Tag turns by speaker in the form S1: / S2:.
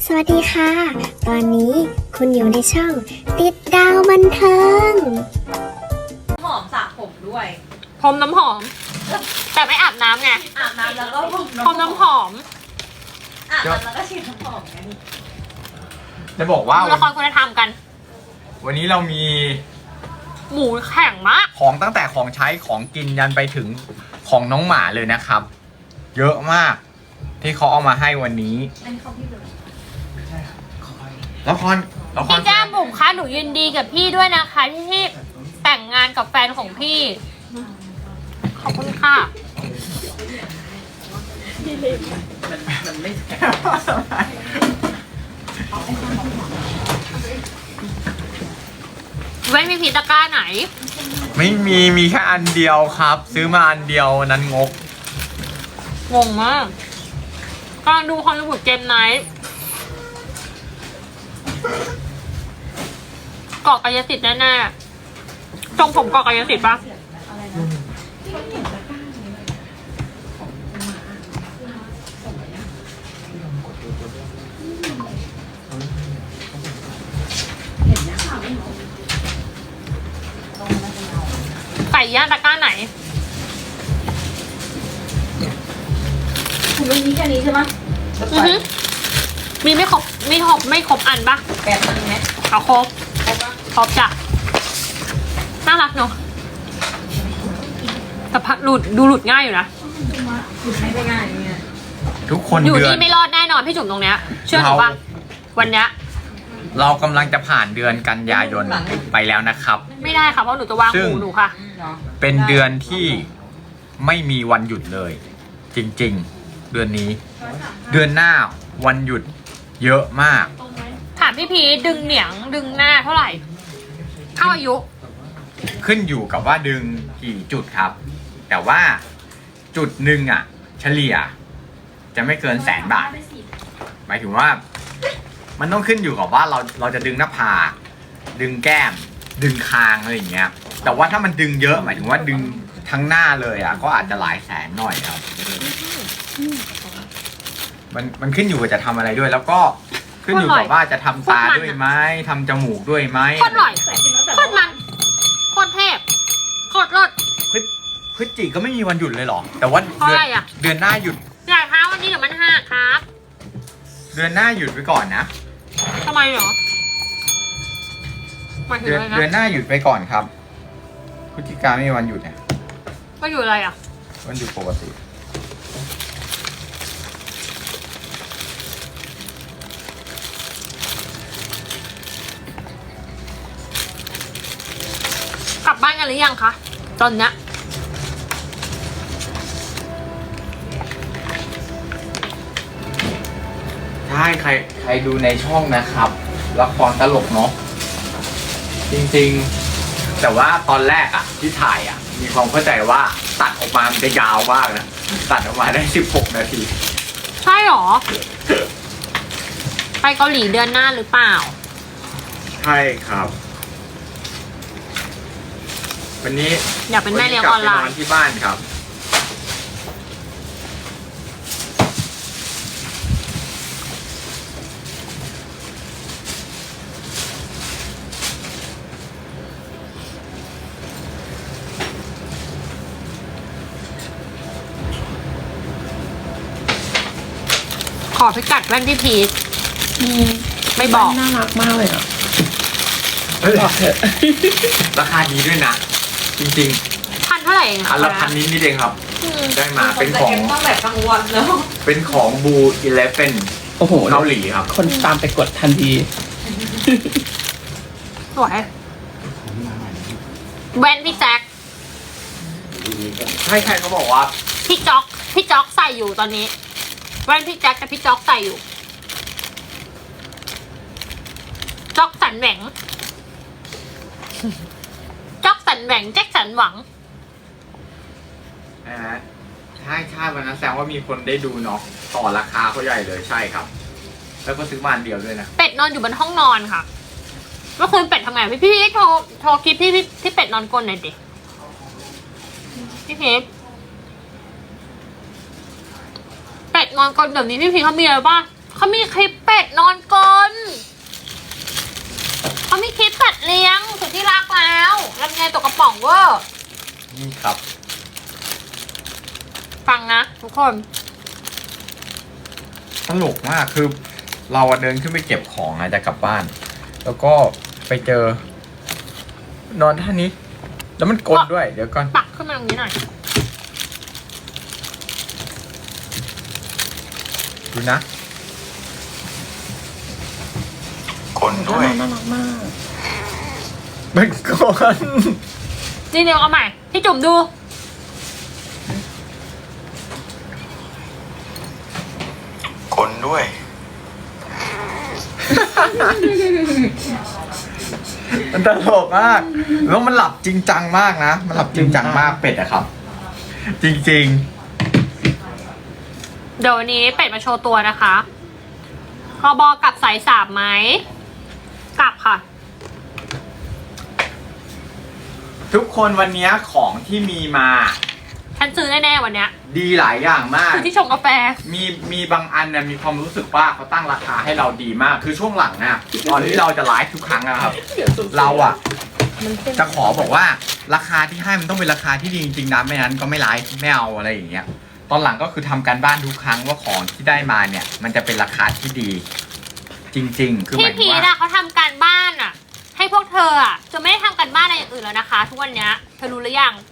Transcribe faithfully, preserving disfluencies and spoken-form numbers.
S1: สวัสดีค่ะ ตอนนี้คุณอยู่ในช่องติดดาวบันเทิง
S2: หอมสระผมด้วย
S3: พรมน้ำหอม แต่ไม่อาบน้ำไง
S2: อาบน้ำแล้วก็พรม
S3: พรมน้ำหอม
S2: อาบน้ำแล้วก็ฉีดน้ำหอมไง
S4: จะบอกว่า
S3: ดูละครคุณธรรมกัน
S4: วันนี้เรามี
S3: หมูแข็งมาก
S4: ของตั้งแต่ของใช้ของกินยันไปถึงของน้องหมาเลยนะครับ เยอะมากที่เขาเอามาให้วันนี้ละครละคร
S3: พี่แก้มบุ๋มคะหนูยินดีกับพี่ด้วยนะคะที่ที่แต่งงานกับแฟนของพี่ ขอบคุณค่ะเว้นมีผีตะกร้าไหน
S4: ไม่มีมีแค่อันเดียวครับ ซื้อมาอันเดียวนั้นงก
S3: งงมากกำลังดูฮอลลีวูดเกมไนท์เกาะกายสิทธิ์แน่ๆทรงผมเกาะกายสิทธิ์ปะไก่ย่างตะกร้าไหน
S2: คุณมีแค่นี้ใช่ไหม
S3: อือฮึมีไม่ครบไม่ครบไม่ครบอันปะ
S2: แปดอันไหม
S3: เอาครบครบจ้ะน่ารักเนาะแต่พักหลุดดูหลุดง่ายอยู่นะ
S2: หยุดไม่ได้ง่ายเนี่ย
S4: ทุกคน
S3: อยู่
S4: เดือน
S3: ที่ไม่รอดแน่นอนพี่จุ๋มตรงเนี้ยเชื่อหนูป่ะวันเนี้ย
S4: เรากำลังจะผ่านเดือนกันยายนไปแล้วนะครับ
S3: ไม่ได้ค่ะเพราะหนูจะวางหูหนูค่ะ
S4: เป็นเดือนที่ไม่มีวันหยุดเลย จริงๆ เดือนนี้ เดือนหน้าวันหยุดเยอะมาก
S3: ถามพี่พีดึงเหนียงดึงหน้าเท่าไหร่เท่าอายุ
S4: ขึ้นอยู่กับว่าดึงกี่จุดครับ แต่ว่าจุดหนึ่งอ่ะ เฉลี่ย จะไม่เกินแสนบาทหมายถึงว่า มันต้องขึ้นอยู่กับว่าเราเราจะดึงหน้าผากดึงแก้ม ดึงคางอะไรอย่างเงี้ย แต่ว่าถ้ามันดึงเยอะหมายถึงว่าดึงทั้งหน้าเลยอ่ะก็อาจจะหลายแสนหน่อยครับมันมันขึ้นอยู่กับจะทำอะไรด้วย แล้วก็ขึ้นอยู่กับว่าจะทำตาด้วยไหมทำจมูกด้วยไหม
S3: โคตรหน่อยโคตรมันโคตรเทพโคตรรส
S4: พฤพฤศจิก็ไม่มีวันหยุดเลยหรอแต่ว่าเดือนเดือนหน้าหยุด
S3: อย่าท้าวันนี้เดี๋ยวมันหักครับ
S4: เดือนหน้าหยุดไปก่อนนะ
S3: ทำไมเหรอ
S4: เดือนเดือนหน้าหยุดไปก่อนครับพฤศจิกาไม่มีวันหยุดเนี่ย
S3: วันหยุดอะไรอ่ะ
S4: วันหยุดปกติ
S3: กลับบ้านกันหรือยังคะตอนเนี้ย
S4: ใช่ใครใครดูในช่องนะครับละครตลกเนาะจริงๆแต่ว่าตอนแรกอะที่ถ่ายอะมีความเข้าใจว่าตัดออกมามันจะยาวมากนะตัดออกมาได้สิบหกนาที
S3: ใช่หรอไปเกาหลีเดือนหน้าหรือเปล่า
S4: ใช่ครับวันนี้
S3: อยากเป็นแม่เลี้ยงออนไลน์
S4: ที่บ้านครับ
S3: ขอพิกัดแว่นพี่พีชไม่บอก
S2: น่ารักมากเลยอ่ะ
S4: บอกเถอะราคาดีด้วยนะจริง
S3: ๆพันเท่าไหร่
S4: อันละพันนิดนิดเองครับได้มาเป็นของ
S2: ต้องแบบกลางวันแล้ว
S4: เป็นของบูอีเลฟเฟน
S5: โอ้โห
S4: เกาหลีครับ
S5: คนตามไปกดทันที
S3: สวยแว่นพี่แจ็ค
S4: ใช่ใครเขาบอกว่า
S3: พี่จ๊อกพี่จ๊อกใส่อยู่ตอนนี้แว่นพี่แจ็คกับพี่จ๊อกใส่อยู่จ๊อกสันแหวงจ๊อกสันแหวงแจ็คสันหวัง
S4: อ่าใช่ใช่วันนั้นแสดงว่ามีคนได้ดูเนาะต่อราคาเขาใหญ่เลยใช่ครับแล้วก็ซื้อมาอันเดียวด้วยนะ
S3: เป็ดนอนอยู่บนห้องนอนค่ะเมื่อคืนเป็ดทำไงพี่พี่โทรโทรคลิปพี่พี่ที่เป็ดนอนกลนหน่อยดิพี่เพชร เป็ดนอนกลนเดี๋ยวนี้พี่พีเขามีอะไรบ้างเขามีคลิปเป็ดนอนเวอร์
S4: นี่ครับ
S3: ฟังนะทุกคน
S4: ตลกมากคือ เราอะเดินขึ้นไปเก็บของอะจะกลับบ้าน แล้วก็ไปเจอ นอนท่านี้ แล้วมันกลนด้วย เดี๋ยวก่อน
S3: ปักขึ้นมาตรงนี้หน่อย
S4: ดูนะกลด้วย
S2: น่ารักมาก
S4: มันกลน
S3: นี่เดี๋ยวเอาใหม่ พี่จุ่มดู
S4: กลด้วย มันตลกมาก แล้วมันหลับจริงจังมากนะ มันหลับจริงจังมากเป็ดอะครับ จริง
S3: เดี๋ยววันนี้เป็ดมาโชว์ตัวนะคะกบอกลับสายสามไหม กลับค่ะ
S4: ๆ ทุกคนวันนี้ของที่มีมา
S3: ฉันซื้อแน่ๆวันเนี้ย
S4: ดีหลายอย่างมาก
S3: คือที่ชงกาแฟ
S4: มีมีบางอันเนี่ยมีความรู้สึกว่าเขาตั้งราคาให้เราดีมาก คือช่วงหลังอะตอนที่เราจะไลฟ์ทุกครั้งนะครับ เราอะจะขอบอกว่าราคาที่ให้มันต้องเป็นราคาที่ดีจริงๆนะไม่นั้นก็ไม่ไลฟ์ไม่เอาอะไรอย่างเงี้ย ตอนหลังก็คือทำการบ้านทุกครั้งว่าของที่ได้มาเนี่ย มันจะเป็นราคาที่ดี จริง ๆ คือห
S3: พี่
S4: มายถึ
S3: พี
S4: ง
S3: ท
S4: ว่า
S3: อะเขาทำการบ้านอะให้พวกเธออะจะไม่ได้ทำการบ้านอะไรอย่างอื่นแล้วนะคะ ทุกวันเนี้ยเธอรู้หรือยัง